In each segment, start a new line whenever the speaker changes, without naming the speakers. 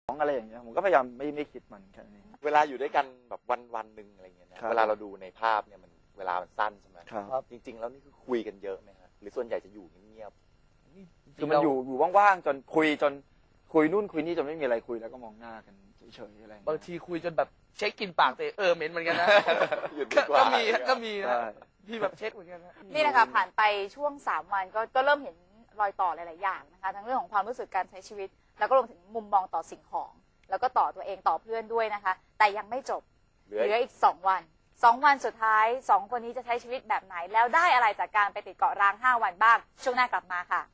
อะไรอย่างเงี้ยผมก็พยายามไม่คิดมันแค่นี้
เวลาอยู่ด้วยกันแบบวันหนึ่งอะไรเงี้ยนะเวลาเราดูในภาพเนี่ยมันเวลามันสั้นใช่ไหมครับจริงๆแล้วนี่คือคุยกันเยอะไหมครับหรือส่วนใหญ่จะอยู่เงียบ
คือมันอยู่ว่างๆจนคุยนู่นคุยนี่จนไม่มีอะไรคุยแล้วก็มองหน้ากันเฉยๆอะไร
บางทีคุยจนแบบเช็คกินปากแต่เหม็นเหมือนกันนะก็มีนะพี่แบบเช็คเหมือนกันนะ
นี่นะคะผ่านไปช่วง3 วันก็เริ่มเห็นรอยต่อหลายๆอย่างนะคะทั้งเรื่องของความรู้สึกการใช้ชีวิตแล้วก็รวมถึงมุมมองต่อสิ่งของแล้วก็ต่อตัวเองต่อเพื่อนด้วยนะคะแต่ยังไม่จบเหลืออีก2 วัน2 วันสุดท้าย2 คนนี้จะใช้ชีวิตแบบไหนแล้วได้อะไรจากการไปติดเกาะร้าง5 วันบ้างช่วงหน้ากลับมาค่ะ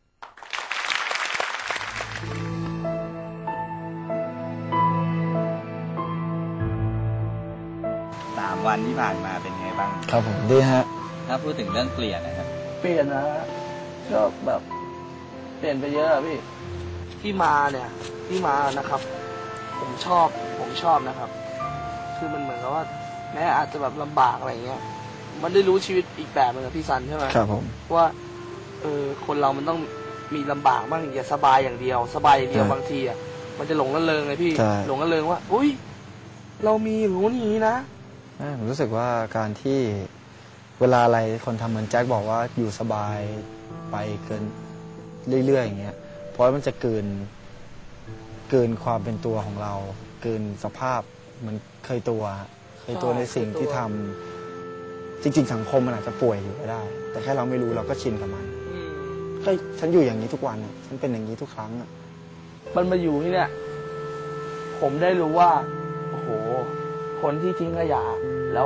3 วันที่ผ่านมาเป็นไงบ้าง
ครับผมดีฮะ
ถ้าพูดถึงเรื่องเปลี่ยนนะครับ
เปลี่ยนนะก็แบบเปลี่ยนไปเยอะพี่ที่มานะครับผมชอบนะครับคือมันเหมือนกับว่าแม้อาจจะแบบลำบากอะไรเงี้ยมันได้รู้ชีวิตอีกแบบนึงกับพี่ซันใช่ไหม
ครับผม
ว่าคนเรามันต้องมีลำบากบ้างอย่าสบายอย่างเดียวบางทีอ่ะมันจะหลงระเริงเลยพี่หลงระเริงว่าอุ้ยเรามีรู้นี้นะ
ผมรู้สึกว่าการที่เวลาอะไรคนทำเหมือนแจ็คบอกว่าอยู่สบายไปเกินเรื่อยๆอย่างเงี้ยเพราะมันจะเกินความเป็นตัวของเราเกินสภาพมันเคยตัวในสิ่งที่ทำจริงๆสังคมมันอาจจะป่วยอยู่ก็ได้แต่แค่เราไม่รู้เราก็ชินกับมันก็ฉันอยู่อย่างนี้ทุกวันฉันเป็นอย่างนี้ทุกครั้ง
มันมาอยู่ที่เนี่ยผมได้รู้ว่าโอ้โหคนที่ทิ้งขยะ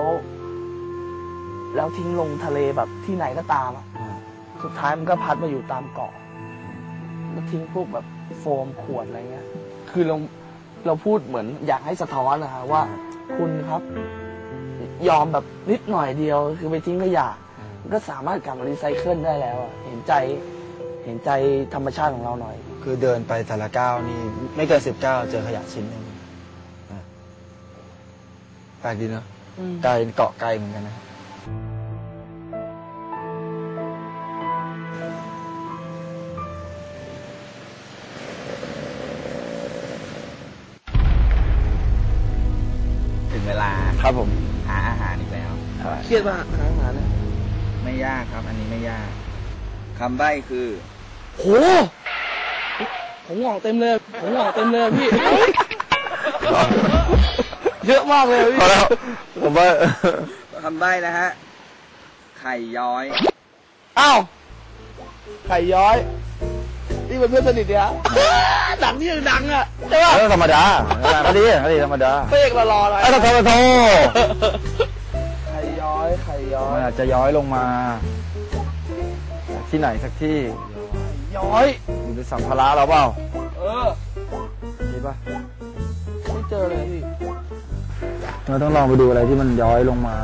แล้วทิ้งลงทะเลแบบที่ไหนก็ตามสุดท้ายมันก็พัดมาอยู่ตามเกาะแล้วทิ้งพวกแบบโฟมขวดอะไรเงี้ยคือเราพูดเหมือนอยากให้สะท้อนนะว่าคุณครับยอมแบบนิดหน่อยเดียวคือไปทิ้งขยะมันก็สามารถกลับมารีไซเคิลได้แล้วเห็นใจธรรมชาติของเราหน่อย
คือเดินไปแต่ละก้าวนี่ไม่เกิน10 ก้าวเจอขยะชิ้นนึงแปลกดีเนาะไกลเกาะไกลเหมือนกันนะ
ถึงเวลา
ครับผม
หาอาหารอีกแล้ว
เครียดมากหาอาหารนะ
ไม่ยากครับอันนี้ไม่ยากคำใบ้คือ
โหผมงอกเต็มเลยพี่เยอะมากเลยพี่
ผมว่า
คำใบ้นะฮะไข่ย้อย
อ้าวไข่ย้อยนี่เป็นเพื่อนสนิทเนี่ยดังนี่ยังดังอ่ะใช่ป่ะ
ธรรมดาก็ดีธรรมดา
เป๊กรออะไร
โทษ
ไข่ย้อย
มันอาจจะย้อยลงมาที่ไหนสักที่
ย้อย
อยู่ในสัมภาระเราเปล่ามีป่ะ
ไม่เจอเลยพี่
เราต้องลองไปดูอะไรที่มันย้อยลงมา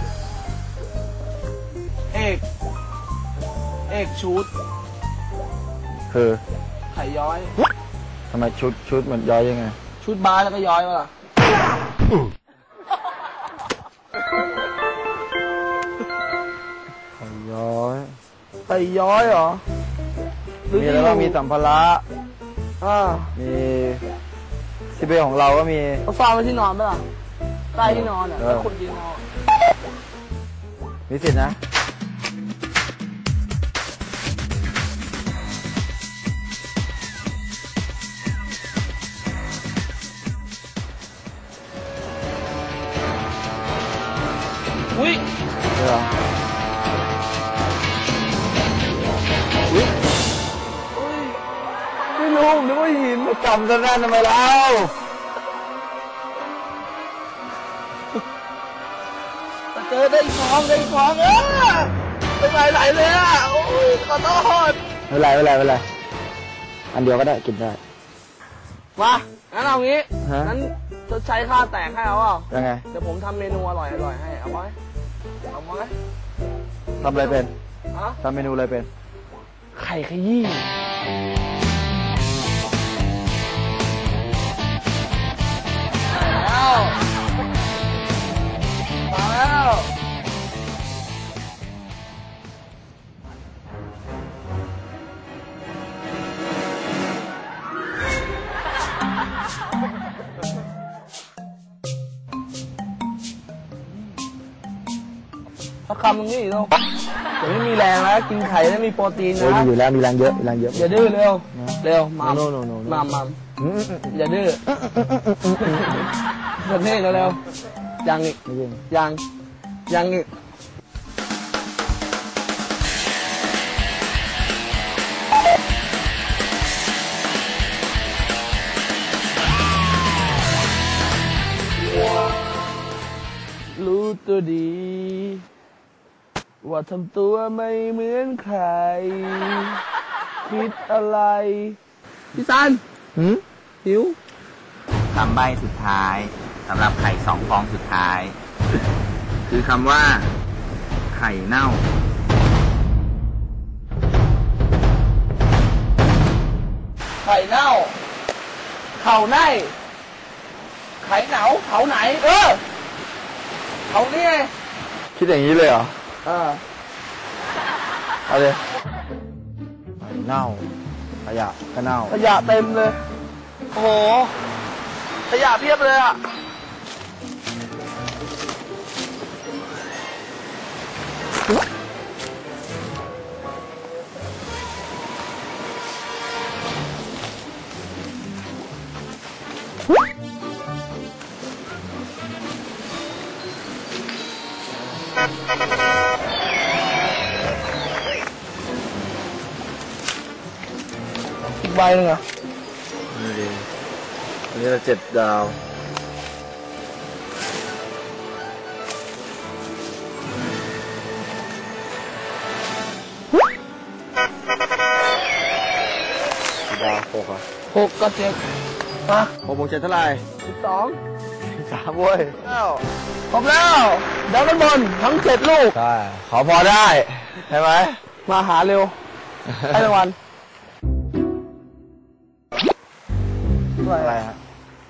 เอกชุด
คือ
ไข่ย้อย
ทำไมชุดมันย้อยยังไง
ชุดบาสแล้วก็ย้อยมาล่ะ
ไข่ย้
อยเหรอ
มีอะไรบ้างมีสัมภาระมีที่เบลของเราก็มี
เอาฟาไว้ที่นอนไหมล่ะใต้ที่นอนแล้วคนกินนอน
มีสิทธินะ
อุ้ยไม่รู้นึกว่าหิน
จำซะแน่นทำไมเล่า
เจอได้ของเป็นไหลเลยอ่ะโอ้ยขอโทษ
ไม่เป็นไรอันเดียวก็ได้กินได้
มางั้นเอางี้งั้นจะใช้ค่าแตกให้เอาเปล่า
ยังไง
เดี๋ยวผมทำเมนูอร่อยให้เอาไหม
ทำอะไรเป็นทำเมนูอะไรเป็น
ไข่ขยี้มาแล้วสักคำตรงนี้อีกแล้วเดี๋ยวไม่มีแรงแล้วกินไข่แล้วมีโปรตีน
โอ้ย
นะ
มีอยู่แล้วมีแรงเยอะมีแรงเยอะ
อย่าดื้อเร็วเร็วมัม
โน่โน่
มัมอย่าดื้อแบบนี้เร็วยังอีก
ไม่ยิง
ยังอีกรู้ตัวดี ว่าทำตัวไม่เหมือนใคร คิดอะไร พี่ซันหิว
คำใบ้สุดท้ายสำหรับไข่2 ฟองสุดท้าย คือคำว่า ไข่เน่า
ไข่เน่า เข่าในไข่เหนาเขาไหน เขานี่ไง
คิดอย่างนี้เลยเหรอ เอาเลยเน่าขยะก็เน่า
ขยะเต็มเลย โอ้โห ขยะเพียบเลยอ่ะ อีกใบหนึ่งอ่ะ
นี่ดีอันนี้เรา7 ดาวกี่ดาว6อ่ะ
6 กับ 7มา
6 บวก 7 เท่าไหร่
12
3เว้ย
ครบแล้วดับเบิลบอลทั้ง 7 ลูก
ใช่ขอพอได้ ใช่ไหม
มาหาเร็ว ให้รางวัล
อะไรฮะ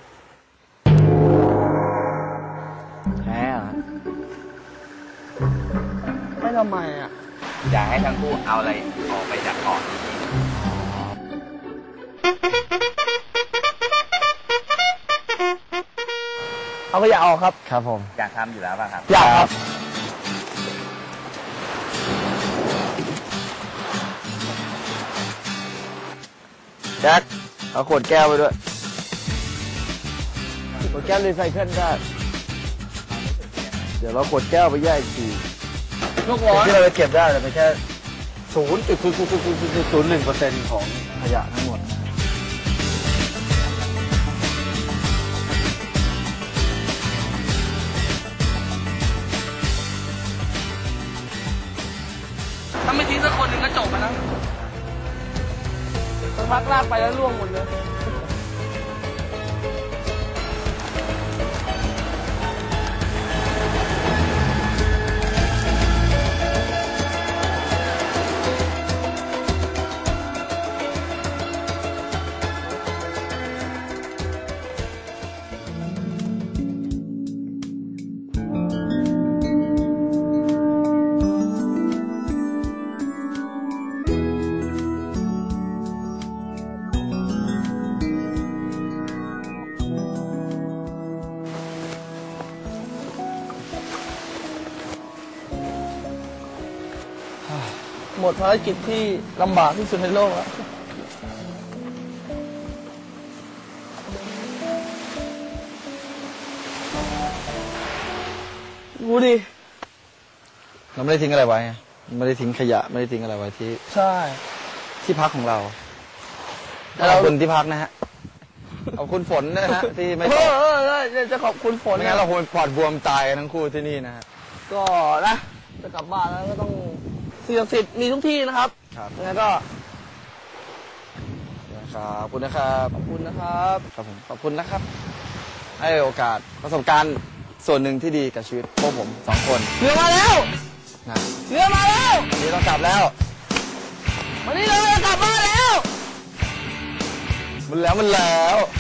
แพ้เหรอ
ไม่ทำไมอ่ะ
อยากให้ทั้งคู่เอาอะไรออกไปจากเกาะนี้
เอาขยะออกครับ
ครับผม
อยากทำอยู่แล้วป่ะครับ
อยากครับ
แจ็คเอาขวดแก้วไปด้วยขวดแก้วรีไซเคิลได้ เดี๋ยวเราขวดแก้วไปแยกอีกที
ลูกร้อน
ที่เราจะเก็บได้แต่เป็นแค่0.001% ของขยะทั้งหมดนะ
ถ้าไม่ทิ้งสักคนหนึ่งก็จบนะสักพักลากไปแล้วล่วงหมดเลย หมดภารกิจที่ลำบากที่สุดในโลกแล้วดูดิ
เราไม่ได้ทิ้งอะไรไว้ไงไม่ได้ทิ้งขยะไม่ได้ทิ้งอะไรไว้ที่
ใช่
ที่พักของเรา
แต่เรา
ขอบคุณที่พักนะฮะขอบคุณฝนนะฮะที่ไม่ตก
จะขอบคุณฝน
ไม่งั้นเราคงปอดบวมตายกันทั้งคู่ที่นี่นะฮะ
ก็นะ จะกลับบ้านแล้วก็ต้องสิ่งศักดิ์สิทธิ์มีทุกที่นะครับ
ครับ
ยังไงก็
ขอบคุณนะครับ
ขอบคุณนะครับ
ครับผมขอบคุณนะครับ ให้โอกาสประสบการณ์ส่วนหนึ่งที่ดีกับชีวิตพวกผม2 คน
เรือมาแล้ว
นะ
เรือมาแล้ว
วันนี้เรากลับแล้ว
วันนี้เราจะกลับบ้านแล้ว
มันแล้ว